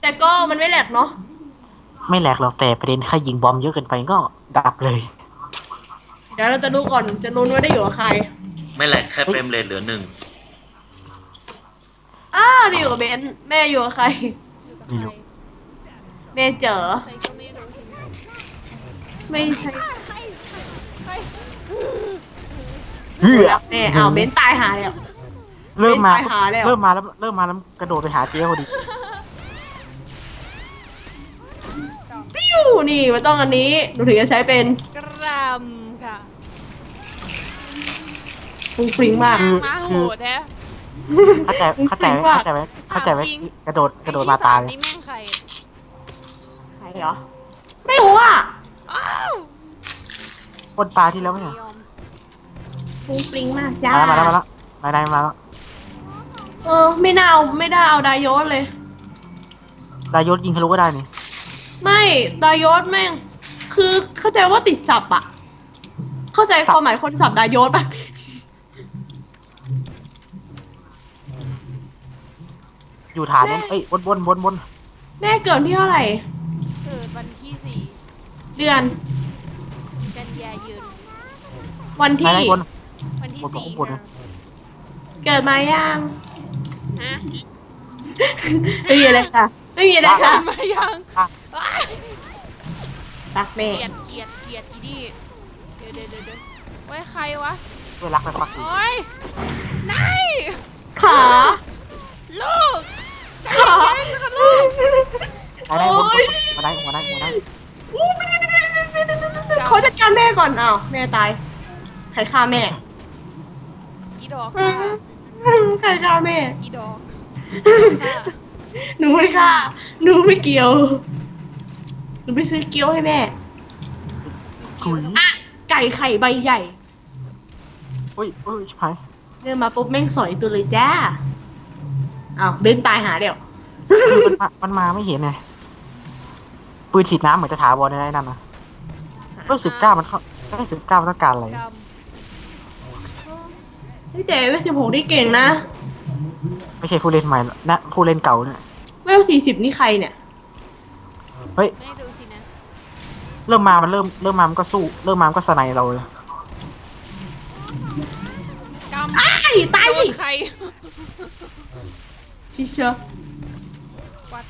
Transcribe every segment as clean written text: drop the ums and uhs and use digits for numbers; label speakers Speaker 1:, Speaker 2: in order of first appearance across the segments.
Speaker 1: แต่ก็มันไม่แหลกเนาะ
Speaker 2: ไม่แหลกหรอกแต่ประเด็นแค่ยิงบอมเยอะเกินไปก็ดับเลย
Speaker 1: เดี๋ยวเราจะดูก่อนจะรู้ว่าได้อยู่กับใคร
Speaker 3: ไม่แหลกแค่เฟ
Speaker 2: เฮ้ย
Speaker 3: รมเรทเหลือ1
Speaker 1: ได้อยู่กับเบนแม่อยู่กับใคร
Speaker 4: อยู่กับ
Speaker 2: ไม่
Speaker 4: ใคร
Speaker 2: รู้
Speaker 1: แม่เจอ
Speaker 4: ใครก็ไม่รู้ทีนี้
Speaker 1: ไม่ใช่
Speaker 4: ใคร
Speaker 2: เฮ้ย
Speaker 1: แม่เอาเบนตายหายแล้ว
Speaker 2: เริ่มมา
Speaker 1: เป็นตายหาแล้ว
Speaker 2: เริ่มมาแล้วเริ่มมาแล้วกระโดดไปหาเจ๊พอดี
Speaker 1: ปิ้วนี่มันต้องอันนี้หนูถึงจะใช้เป็น
Speaker 4: กรัมค่ะ
Speaker 1: ฟุ้งฟริ้งมาก
Speaker 4: มาโหดแท้
Speaker 2: เข้าใจไว้
Speaker 4: จริง
Speaker 2: กระโดดมาตาย
Speaker 4: นี่แม่งใคร
Speaker 1: ใครเหรอไม่รู้อ่ะ
Speaker 4: อ้าว
Speaker 2: คนตายที่แล้วไม่ใช่
Speaker 4: ยอม
Speaker 1: ฟุ้งฟริ้งมากจ้า
Speaker 2: มาแล้วมาแล้ว
Speaker 1: ไม่น่าเอาไม่ได้เอาไดโยศเลย
Speaker 2: ดายศยิงทะลุก็ได้นี่
Speaker 1: ไม่ไดโยศแม่ง คือเข้าใจว่าติดสับอะเข้าใจความหมายคนสับไดโยศปะ
Speaker 2: อยู่ฐานนั้นเอ้ยบน
Speaker 1: แม่เกิดที่เท่าไหร่
Speaker 4: เกิดวันที่
Speaker 1: เดือน
Speaker 4: 4 กันยายน
Speaker 1: วัน
Speaker 2: ไหน
Speaker 1: ที่
Speaker 2: บน
Speaker 4: วันที่
Speaker 2: บน
Speaker 4: 4
Speaker 2: บน
Speaker 4: ค่ะ
Speaker 1: เกิดมายัง
Speaker 4: ฮะ
Speaker 1: ไม่มีอะไรค่ะ ไม่มีอะไรค่ะ
Speaker 4: มายัง
Speaker 2: อ่ะ
Speaker 4: อ้าย
Speaker 1: รักแม่
Speaker 4: เกลียดอีนี่เดี๋ยวโอ้ยใครวะ
Speaker 2: เวลาไปปัก
Speaker 4: โอ้ยนาย
Speaker 1: ขา
Speaker 4: ลูก
Speaker 1: ขา
Speaker 2: มาได้บนมาได้
Speaker 1: เขาจัดการแม่ก่อนอ้าวแม่ตาย ใครฆ่าแม่
Speaker 4: อีดอกค่ะ
Speaker 1: ใครฆ่าแม่
Speaker 4: อีดอกค่ะ
Speaker 1: หนูไม่ฆ่าหนูไม่เกี่ยว หนูไปซื้อเกี๊ยวให้แม่
Speaker 2: ถุย
Speaker 1: อะไก่ไข่ใบใหญ่
Speaker 2: เฮ้ยชิบหาย
Speaker 1: เดินมาปุ๊บแม่งสอยตัวเลยจ้าอ้าวเบนตายหาเดี๋ยว
Speaker 2: มันมาไม่เห็นไงปืนฉีดน้ำเหมือนจะถาวรในนั้นนะ19มันเข้าได้19มันต้องการอะไร
Speaker 4: กรรม
Speaker 1: เฮ้ยแต่เวล16นี่เก่งนะ
Speaker 2: ไม่ใช่ผู้เล่นใหม่นะผู้เล่นเก่าเนี่ย
Speaker 1: เวล40นี่ใครเนี่ย
Speaker 2: เฮ้ย
Speaker 4: ไม่ดูสินะ
Speaker 2: เริ่มมามันก็สู้เริ่มมามันก็สไนเราเลย
Speaker 4: กรรม
Speaker 1: อ้ายตายสิ
Speaker 4: โดนใคร
Speaker 1: ชิเชอร์
Speaker 4: วัด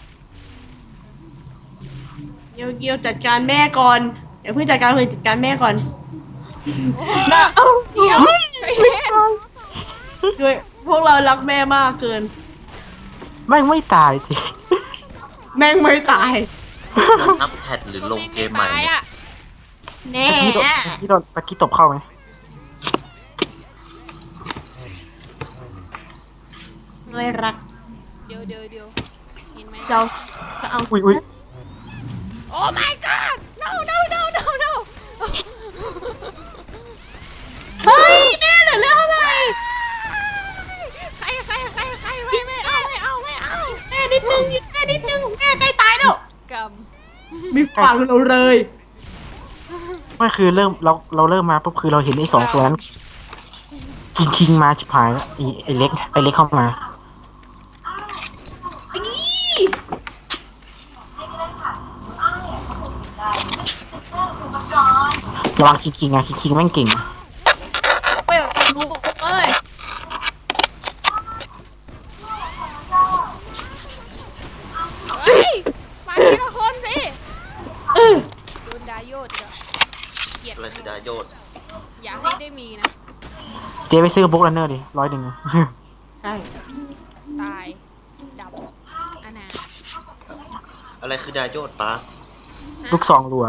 Speaker 1: เกียวจัดการแม่ก่อนเดี๋ยวเพิ่งจัดการจัดการแม่ก่อน
Speaker 4: โอ้
Speaker 1: นะเอ้า
Speaker 4: เดี๋ยวใจเย็น
Speaker 1: ด้วยพวกเรารักแม่มากเกิน
Speaker 2: ไม่ตายที
Speaker 1: แม่งไม่ตาย
Speaker 3: อัพแพดหรือลงเกมใหม่
Speaker 4: ตาย
Speaker 3: เนี่ย
Speaker 4: อ่ะ
Speaker 1: แน่
Speaker 2: ตะกี้ตบเข้าไหม
Speaker 1: ด้วยรัก
Speaker 4: เดี๋ยวเห็นไหม
Speaker 1: เราก็เอา
Speaker 2: อุ้ย
Speaker 4: โอ้ my god no no
Speaker 1: เฮ้ยแม่เหลือเรื่องเท่าไหร่
Speaker 4: ใครไม่เอา
Speaker 1: แม่นิดนึงแม่นิดนึงแม่ใกล้ตายแล้ว
Speaker 4: กรรม
Speaker 1: ไม่ฟังเราเลย
Speaker 2: ไม่คือเริ่มเราเริ่มมาปุ๊บคือเราเห็นไอ้2 ตัวนั้นคิงมาชิบหายแล้วไอ้เล็กเข้ามา
Speaker 1: อี
Speaker 2: ระวังคิงแม่งเก่ง
Speaker 1: ไปรู้เอ้ย
Speaker 4: เฮ้ยมาทีละคนสิ
Speaker 1: เออ
Speaker 4: โดนดาโยดเกลียด
Speaker 3: อะไรคือดาโยด
Speaker 4: อย่าให้ได้มีนะ
Speaker 2: เจ๊ไปซื้อบุ๊กรันเนอร์ดิ100
Speaker 1: ใช่
Speaker 4: ตายดับอนาถ
Speaker 3: อะไรคือดาโยดป้า
Speaker 2: ลูกซองรัว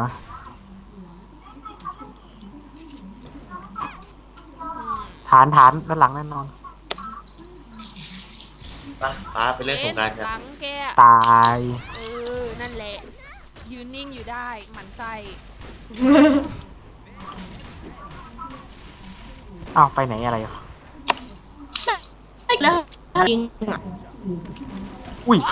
Speaker 2: ฐานด้านหลังแน่นอน
Speaker 3: ป้าไปเล่นสงกรานต์กัน
Speaker 4: หลังแก
Speaker 2: ตาย
Speaker 4: นั่นแหละ ยืนนิ่งอยู่ได้หมันไส้
Speaker 2: อ้าวไปไหนอะไรอ่ะ
Speaker 1: แล้วยิงอ่ะ
Speaker 2: อุ้ย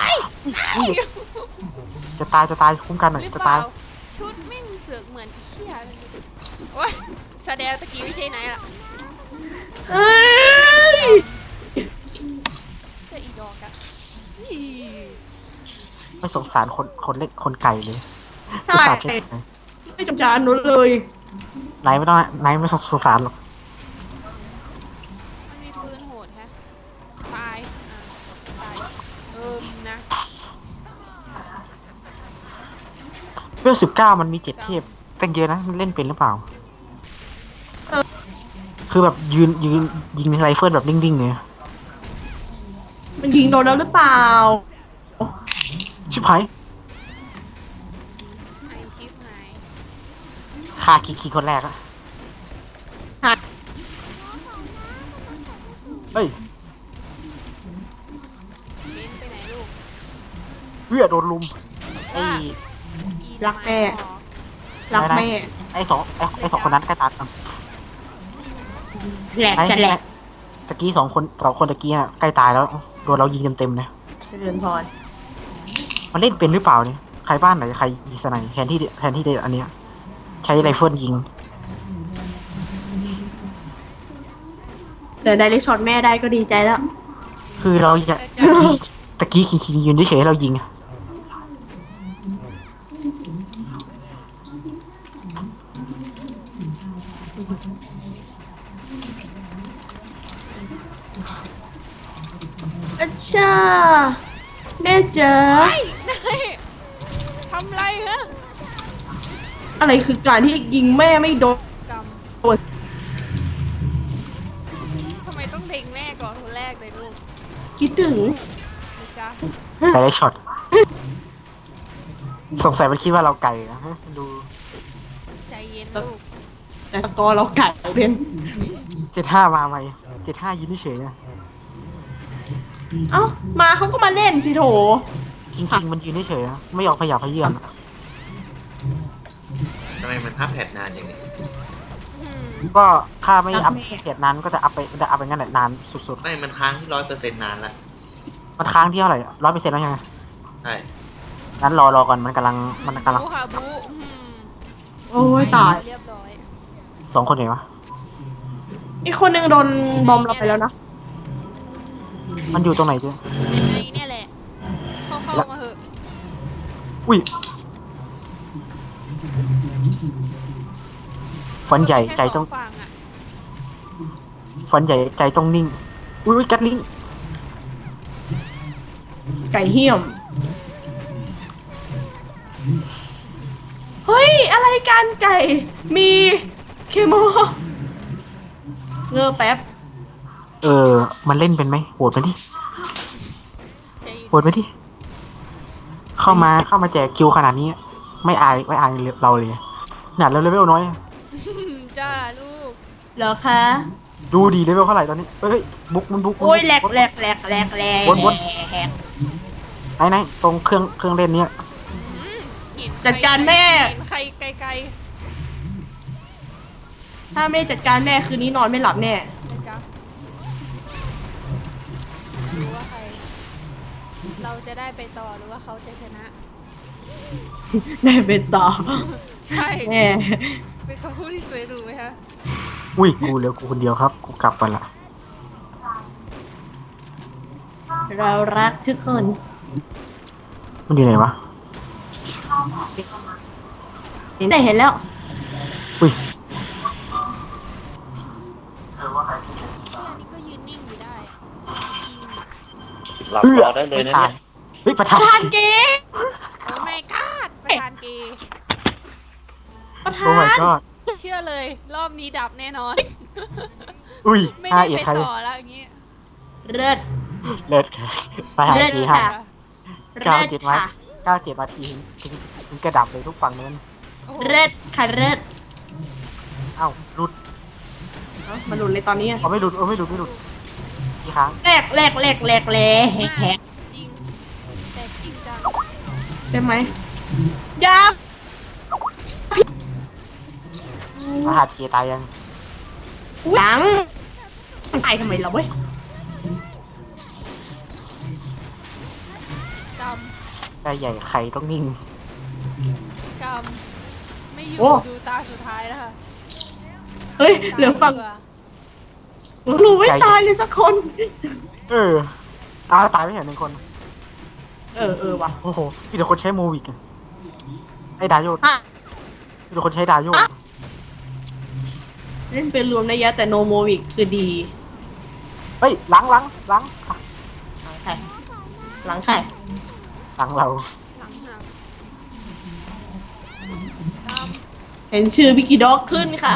Speaker 2: จะตายคุ้มกันหน่อย
Speaker 4: หรือ
Speaker 2: จะ
Speaker 4: เป
Speaker 2: ตา
Speaker 4: ล่าย ชุดแม่งเสือกเหมือนอีเขี้ยเลยโอ้ยแสดงตะกี้ไม่ใช่ไหนล่ะ
Speaker 1: เอ้ย
Speaker 4: จะอีดอกอะอี
Speaker 2: ไม่สงสารคนเล็กคนไก่เลย
Speaker 1: ใช่
Speaker 2: อุตส่าห์เช็ค
Speaker 1: ไม่จำจานนุ้นเลย
Speaker 2: ไหนไม่ต้องไหนไม่สงสารหรอก
Speaker 4: มันมีปืนโหดแฮะตายตายนะ
Speaker 2: เวล19มันมี7 เทพเป็นเยอะนะมันเล่นเป็นหรือเปล่า คือแบบยืนยิงไรเฟิลแบบนิ่งๆเลย
Speaker 1: มันยิงโดนแล้วหรือเปล่า
Speaker 2: ชิบหาย
Speaker 4: ไอชิปหาย
Speaker 2: ฆ่าคีคนแรกอะ
Speaker 1: หา
Speaker 2: เฮ้ย
Speaker 4: เบนไปไหนลูก
Speaker 2: เวียโดนลุมไอ้
Speaker 1: รักแม่ รักแม่
Speaker 2: ไอ้สองคนนั้นใกล้ตายกัน
Speaker 1: แหลกจะแหลก
Speaker 2: ตะกี้สองคนตะกี้อะใกล้ตายแล้วโดนเรายิงเต็มๆนะ
Speaker 1: เจริญพร
Speaker 2: มันเล่นเป็นหรือเปล่าเนี่ยใครบ้านไหนใครยิงสไนแทนที่เดอันเนี้ยใช้ไรเฟิลยิง
Speaker 1: แต่ได้เล็กช็อตแม่ได้ก็ดีใจแล้ว
Speaker 2: คือเราอยากตะกี้คิงยืนเฉยๆให้เรายิงอะ
Speaker 1: อัชชาแม่เจอ
Speaker 4: นายทำไรฮะ
Speaker 1: อะไรคือการที่ยิงแม่ไม่โดน
Speaker 4: กำ
Speaker 1: โดน
Speaker 4: ทำไมต้องเล็งแม่ก่อนคนแรกเลยลูก
Speaker 1: คิดถึง
Speaker 4: นะจ๊ะ
Speaker 2: แต่ได้ช็อตสงสัยมันคิดว่าเราไก่นะดู
Speaker 4: ใจเย็นลูก
Speaker 1: แต่สกอร์เราไก่เป็น
Speaker 2: 75มาไหม75ยืนเฉยๆนะ
Speaker 1: เอ้ามาเขาก็มาเล่นสิโถ
Speaker 2: คิงมันยืนเฉยๆนะไม่ยอมขยับขยื่น
Speaker 3: ทำไมมันภาพแพทนานอย่างนี้
Speaker 2: ก็ถ้าไม่อัพเกียรนั้นก็จะอัพไปงั้นแหละนานสุด
Speaker 3: ไม่มันค้างที่100%นานละ
Speaker 2: ๆมันค้างที่เท่าไหร่100%แล้วยังไง
Speaker 3: ใช่
Speaker 2: งั้นรอก่อนมันกำลัง
Speaker 4: บูค่ะบู
Speaker 1: โอ้ยตาย
Speaker 4: เรียบร้อย
Speaker 2: 2 คนไหนวะ
Speaker 1: อีกคนนึงโดนบอมเราไปแล้วนะ
Speaker 2: มันอยู่ตรงไหนจ๊ะ
Speaker 4: ในเนี่ยแหละ เข้ามาเหอะ
Speaker 2: อุ้ยฟันใหญ่ใจต้อง
Speaker 4: แค่สฝั่งอะ
Speaker 2: ฟันใหญ่ใจต้องนิ่งอุ้ยกัดลิง
Speaker 1: ไก่เหี้ยม เฮ้ย อะไรกันไก่ มีเคมอเงอแป๊บ
Speaker 2: มันเล่นเป็นไหมโหวตมาดิ
Speaker 4: ใจเย็น
Speaker 2: โหวตมาดิเข้ามาแจกคิวขนาดนี้ ไม่อายเราเลยหนาดเราเลเวลน้อย
Speaker 4: จ้าลูก
Speaker 1: เหรอคะ
Speaker 2: ดูดีเลเวลเท่าไหร่ตอนนี้เฮ้ยบุก
Speaker 1: โอ้ยแหลก
Speaker 2: วน
Speaker 1: วน
Speaker 2: ไหนตรงเครื่องเล่นเนี้ย
Speaker 4: เห็น
Speaker 1: จัดการแม่
Speaker 4: เห็นใครไกล
Speaker 1: ถ้าไม่จัดการแม่คืนนี้นอนไม่หลับแน่
Speaker 4: ๆนะจ๊ะรู้ว่าใคร เราจะได้ไปต่อหรือว่าเขาจะชนะ
Speaker 1: แม่เป็นต่อ
Speaker 4: ใช่
Speaker 1: แม่
Speaker 4: เป็นคำพูดที่สวยหรูไหมคะ
Speaker 2: อุ้ยกูเหลือกูคนเดียวครับกูกลับไปละ
Speaker 1: เรารักทุกคน
Speaker 2: มันอยู่ไหนวะ
Speaker 1: ไหนเห็นแล้ว
Speaker 2: อุ้ย
Speaker 4: อันนี้ก็ยืนนิ่งอยู่ได้
Speaker 3: หลับรอได้เลยนะ
Speaker 2: ตา
Speaker 3: เนี่ย ย
Speaker 2: เฮ้ยประ
Speaker 1: ป
Speaker 2: ธาน
Speaker 1: ระธานเกย์
Speaker 4: โอ้ไม่กาดประธานเกย์
Speaker 1: ประธา
Speaker 2: โอ้ my
Speaker 1: น
Speaker 2: god
Speaker 4: เชื่อเลย รอบนี้ดับแน่นอน
Speaker 2: อุ้ย
Speaker 4: ไม่
Speaker 2: ห้า
Speaker 4: ได้
Speaker 2: เอ็ด
Speaker 4: ไป
Speaker 2: ใคร
Speaker 4: ต่อแล้วอย่างงี้
Speaker 1: เลิศ
Speaker 2: เลิศค่ะประธาน
Speaker 1: เลิศ
Speaker 2: ที
Speaker 1: ค่ะ
Speaker 2: ฮะ
Speaker 1: เลิศค่ะ
Speaker 2: 97นาทีถึงกระดับเลยทุกฝั่งนั้น
Speaker 4: โอ้โห
Speaker 1: เลิศค่ะเลิศ
Speaker 2: เอ้าหลุด
Speaker 1: เอ้ามาหลุดเลยตอนนี้อะ
Speaker 2: ไม่หลุดกี่ครั้ง
Speaker 1: แหลกแฮก
Speaker 4: จริงแต่จริงจัง
Speaker 1: ใช่ไหมยา
Speaker 2: รหัสเกียร์ตายยัง
Speaker 1: หลังตายทำไมเราเว้ย
Speaker 4: ก
Speaker 2: ได้ใหญ่ไข่ต้องนิ่ง
Speaker 4: ำไม่อยู่
Speaker 1: โอ้
Speaker 4: ดูตาสุดท้ายแล้วค่ะ
Speaker 1: เฮ้ยเหลือฝั่ง
Speaker 4: ดีกว่า
Speaker 1: รู้ไม่ตายเลยสักคน
Speaker 2: ตายไม่เห็น1 คน
Speaker 1: เออว่ะ
Speaker 2: โอ้โหพี่เดี๋ยวคนใช้โมวิกอะไอ้ดาโย
Speaker 1: อ่ะ
Speaker 2: พี่เดี๋ยวคนใช้ดาโย
Speaker 1: เล่นเป็นรวมระยะแต่โนโมวิกคือดี
Speaker 2: เฮ้ยหลังอ่ะ
Speaker 1: หลังใครหลังใคร
Speaker 2: หลังเรา
Speaker 4: หลังหักตาม
Speaker 1: เห็นชื่อพิกกี้ด็อกขึ้นค่ะ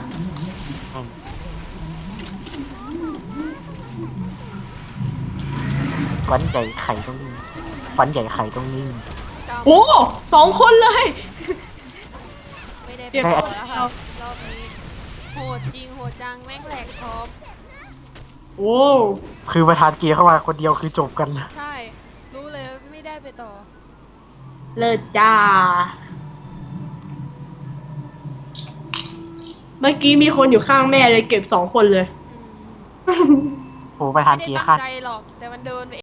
Speaker 2: ฟันใหญ่ไข่ตรงนี้ฟันใหญ่ไข่ตรงนี้
Speaker 4: ตาม
Speaker 1: โอ้2 คนเลย
Speaker 4: ไม่ได้
Speaker 1: เก็บ
Speaker 4: ไปต่อแล้วค่ะรอบนี้โหดจริงโหดจังแม่งแหลกท็อป
Speaker 1: โอ้
Speaker 2: คือประธานเกียร์เข้ามาคนเดียวคือจบกัน
Speaker 4: ใช่ รู้เลยว่าไม่ได้ไปต่อ
Speaker 1: เลิศจ้า เมื่อกี้มีคนอยู่ข้างแม่เลยเก็บ2 คนเลย
Speaker 4: อืม
Speaker 2: โหประธาน
Speaker 4: ไม่ได้
Speaker 2: เกียร์
Speaker 4: ตั้
Speaker 2: คาง ด
Speaker 4: ใจหรอก แต่มันเดินไป